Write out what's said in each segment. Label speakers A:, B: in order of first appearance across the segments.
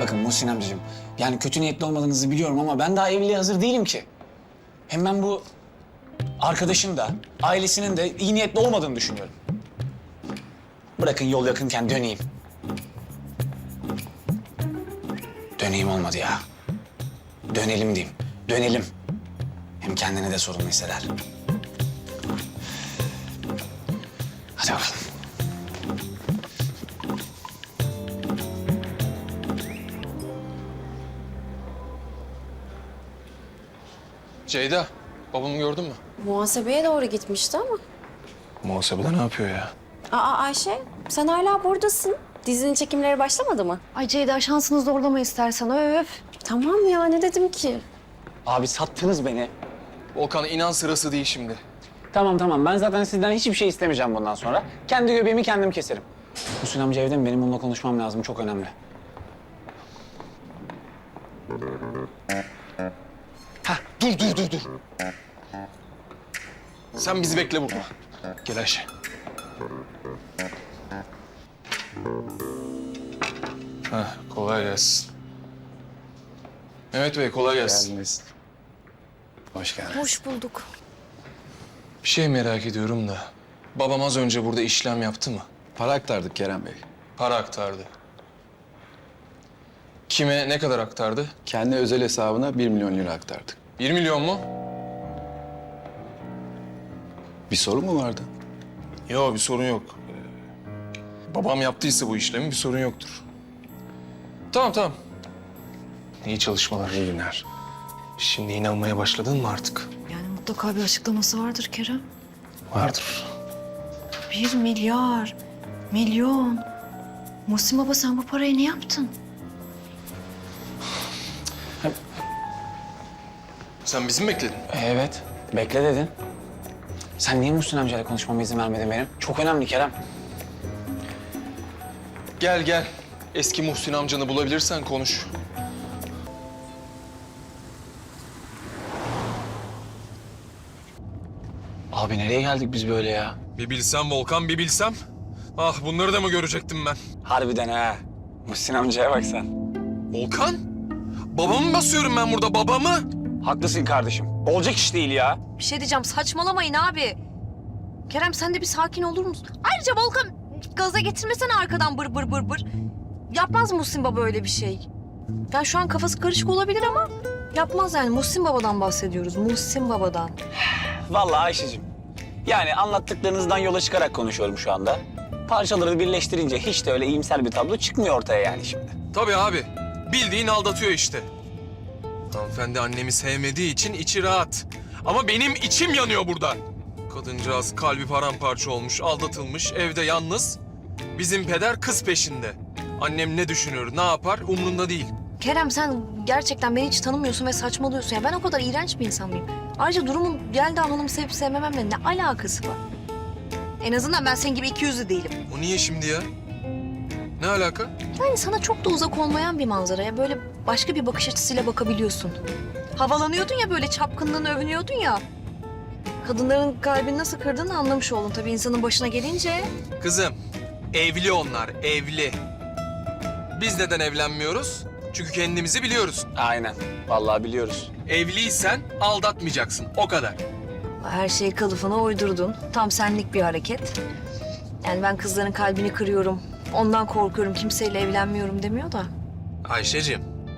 A: Bakın Muhsin amcacığım, yani kötü niyetli olmadığınızı biliyorum ama ben daha evliliğe hazır değilim ki. Hem ben bu arkadaşın da, ailesinin de iyi niyetli olmadığını düşünüyorum. Bırakın yol yakınken döneyim. Döneyim olmadı ya. Dönelim diyeyim, dönelim. Hem kendini de sorumlu hisseder. Hadi bakalım.
B: Ceyda, babamı gördün mü?
C: Muhasebeye doğru gitmişti ama.
B: Muhasebede ne yapıyor ya?
C: Aa Ayşe, sen hala buradasın. Dizinin çekimleri başlamadı mı?
D: Ay Ceyda şansını zorlama istersen öf.
C: Tamam ya, ne dedim ki?
A: Abi sattınız beni.
B: Volkan inan sırası değil şimdi.
A: Tamam, ben zaten sizden hiçbir şey istemeyeceğim bundan sonra. Kendi göbeğimi kendim keserim. Muhsin amca evde mi? Benim onunla konuşmam lazım, çok önemli.
B: Dur. Sen bizi bekle burada. Gel Ayşe. Kolay gelsin. Mehmet Bey kolay gelsin.
A: Hoş geldin.
D: Hoş bulduk.
B: Bir şey merak ediyorum da. Babam az önce burada işlem yaptı mı?
E: Para aktardık Kerem Bey.
B: Para aktardı. Kime ne kadar aktardı?
E: Kendi özel hesabına 1 milyon lira aktardık.
B: 1 milyon mu?
E: Bir sorun mu vardı?
B: Yok bir sorun yok. Babam yaptıysa bu işlemi bir sorun yoktur. Tamam. İyi çalışmalar, iyi günler. Şimdi inanmaya başladın mı artık?
D: Yani mutlaka bir açıklaması vardır Kerem.
B: Vardır.
D: 1 milyar, milyon. Muhsin baba sen bu parayı ne yaptın?
B: Sen bizi mi bekledin?
A: Evet, bekle dedin. Sen niye Muhsin amcayla konuşmama izin vermedin benim? Çok önemli Kerem.
B: Gel. Eski Muhsin amcanı bulabilirsen konuş.
A: Abi nereye geldik biz böyle ya?
B: Bir bilsem Volkan, bir bilsem. Ah bunları da mı görecektim ben?
A: Harbiden ha. Muhsin amcaya bak sen.
B: Volkan? Babamı basıyorum ben burada, babamı.
A: Haklısın kardeşim. Olacak iş değil ya.
D: Bir şey diyeceğim saçmalamayın abi. Kerem sen de bir sakin olur musun? Ayrıca Volkan gaza getirmesene arkadan bır. Yapmaz Muhsin baba öyle bir şey. Yani şu an kafası karışık olabilir ama yapmaz yani. Muhsin babadan bahsediyoruz. Muhsin babadan.
A: Vallahi Ayşe'cim. Yani anlattıklarınızdan yola çıkarak konuşuyorum şu anda. Parçaları birleştirince hiç de öyle iyimser bir tablo çıkmıyor ortaya yani şimdi.
B: Tabii abi. Bildiğin aldatıyor işte. Hanımefendi annemi sevmediği için içi rahat. Ama benim içim yanıyor burada. Kadıncağız kalbi paramparça olmuş, aldatılmış, evde yalnız. Bizim peder kız peşinde. Annem ne düşünür, ne yapar umrunda değil.
D: Kerem sen gerçekten beni hiç tanımıyorsun ve saçmalıyorsun. Ya ben o kadar iğrenç bir insan mıyım? Ayrıca durumun Yelda Hanım'ı sevip sevmememle ne alakası var? En azından ben senin gibi ikiyüzlü değilim.
B: O niye şimdi ya? Ne alaka?
D: Yani sana çok da uzak olmayan bir manzaraya böyle başka bir bakış açısıyla bakabiliyorsun. Havalanıyordun ya böyle çapkınlığını övünüyordun ya. Kadınların kalbini nasıl kırdığını anlamış oldun tabii insanın başına gelince.
B: Kızım, evli onlar, evli. Biz neden evlenmiyoruz? Çünkü kendimizi biliyoruz.
A: Aynen. Vallahi biliyoruz.
B: Evliysen aldatmayacaksın, o kadar.
D: Her şeyi kılıfına uydurdun. Tam senlik bir hareket. Yani ben kızların kalbini kırıyorum. Ondan korkuyorum, kimseyle evlenmiyorum demiyor da.
B: Ayşe'cim,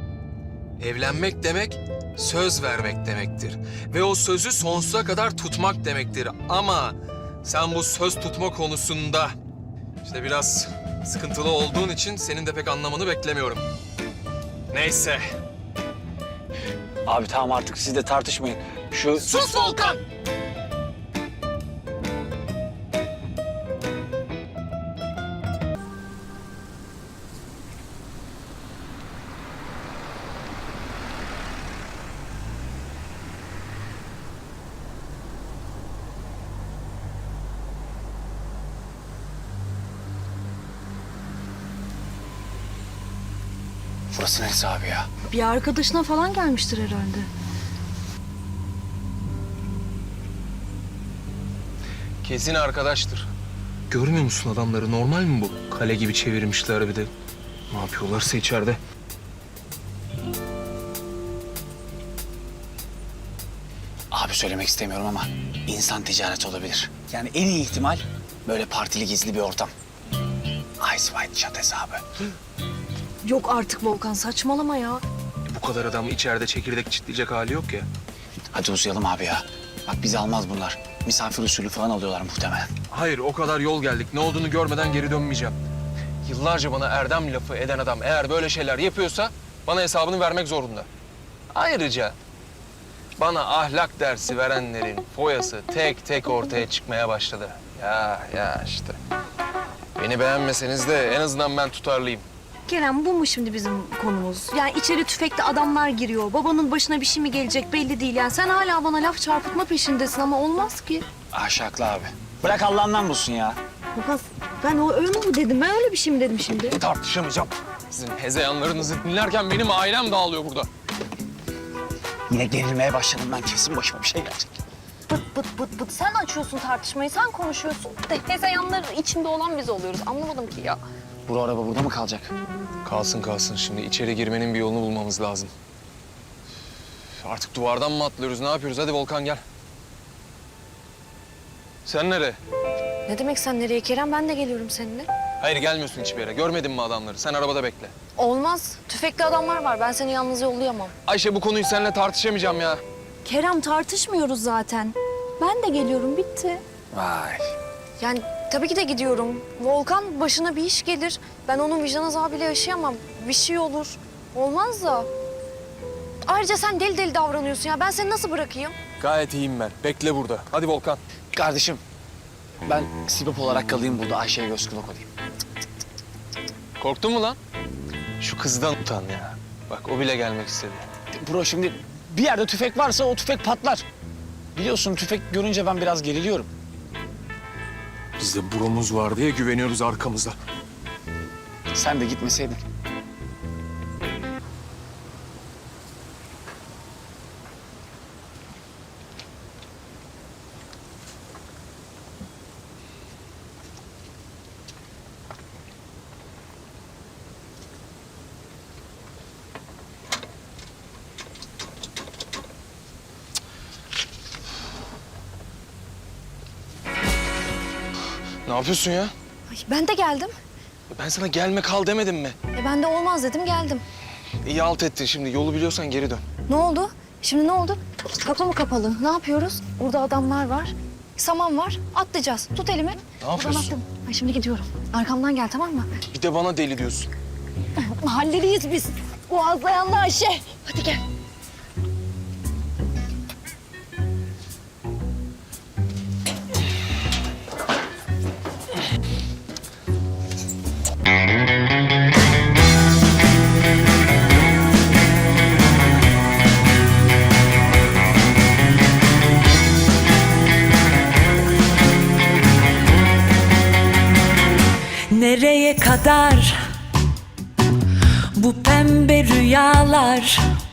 B: evlenmek demek söz vermek demektir. Ve o sözü sonsuza kadar tutmak demektir. Ama sen bu söz tutma konusunda işte biraz sıkıntılı olduğun için senin de pek anlamanı beklemiyorum. Neyse.
A: Abi tamam artık siz de tartışmayın. Şu...
B: Sus Volkan!
A: Burası neresi abi ya?
D: Bir arkadaşına falan gelmiştir herhalde.
B: Kesin arkadaştır. Görmüyor musun adamları? Normal mi bu? Kale gibi çevirmişler bir de. Ne yapıyorlarsa içeride.
A: Abi söylemek istemiyorum ama insan ticareti olabilir. Yani en iyi ihtimal böyle partili gizli bir ortam. Ice White Chat hesabı.
D: Yok artık Volkan, saçmalama ya.
B: Bu kadar adam içeride çekirdek çitleyecek hali yok ya.
A: Hadi uzayalım abi ya. Bak bizi almaz bunlar. Misafir usulü falan alıyorlar muhtemelen.
B: Hayır, o kadar yol geldik. Ne olduğunu görmeden geri dönmeyeceğim. Yıllarca bana erdem lafı eden adam eğer böyle şeyler yapıyorsa bana hesabını vermek zorunda. Ayrıca bana ahlak dersi verenlerin foyası tek tek ortaya çıkmaya başladı. Ya işte. Beni beğenmeseniz de en azından ben tutarlıyım.
D: Kerem, bu mu şimdi bizim konumuz? Yani içeri tüfekli adamlar giriyor. Babanın başına bir şey mi gelecek belli değil. Yani sen hala bana laf çarpıtma peşindesin ama olmaz ki.
A: Aşaklı abi. Bırak Allah'ından bulsun ya.
D: Volkan, ben öyle mi dedim? Ben öyle bir şey mi dedim şimdi?
B: Tartışamayacağım. Sizin hezeyanlarınızı dinlerken benim ailem dağılıyor burada.
A: Yine gerilmeye başladım ben. Kesin başıma bir şey gelecek.
D: Bıt. Sen açıyorsun tartışmayı, sen konuşuyorsun. De hezeyanlar içinde olan biz oluyoruz. Anlamadım ki ya.
A: Bu araba burada mı kalacak?
B: Kalsın. Şimdi içeri girmenin bir yolunu bulmamız lazım. Artık duvardan mı atlıyoruz, ne yapıyoruz? Hadi Volkan gel. Sen nereye?
D: Ne demek sen nereye Kerem? Ben de geliyorum seninle.
B: Hayır gelmiyorsun hiçbir yere. Görmedin mi adamları? Sen arabada bekle.
D: Olmaz. Tüfekli adamlar var. Ben seni yalnız yollayamam.
B: Ayşe bu konuyu seninle tartışamayacağım ya.
D: Kerem, tartışmıyoruz zaten. Ben de geliyorum, bitti.
A: Vay.
D: Yani tabii ki de gidiyorum. Volkan başına bir iş gelir. Ben onun vicdan azabıyla yaşayamam. Bir şey olur. Olmaz da. Ayrıca sen deli deli davranıyorsun ya. Ben seni nasıl bırakayım?
B: Gayet iyiyim ben. Bekle burada. Hadi Volkan.
A: Kardeşim, ben sibop olarak kalayım burada. Ayşe'ye göz kulak olayım.
B: Korktun mu lan? Şu kızdan utan ya. Bak o bile gelmek istedi.
A: Bro şimdi bir yerde tüfek varsa o tüfek patlar. Biliyorsun tüfek görünce ben biraz geriliyorum.
B: Bizde burumuz var diye güveniyoruz arkamızda.
A: Sen de gitmeseydin.
B: Ne yapıyorsun ya?
D: Ay, ben de geldim.
B: Ben sana gelme kal demedim mi?
D: Ben de olmaz dedim, geldim.
B: İyi alt ettin şimdi. Yolu biliyorsan geri dön.
D: Ne oldu? Şimdi ne oldu? Kapı mı kapalı? Ne yapıyoruz? Burada adamlar var. Saman var. Atlayacağız. Tut elimi.
B: Ne yapıyorsun?
D: Buradan attım. Ay, şimdi gidiyorum. Arkamdan gel, tamam mı?
B: Bir de bana deli diyorsun.
D: Mahalleliyiz biz. Boğazlayanlı Ayşe. Hadi gel.
F: Nereye kadar bu pembe rüyalar?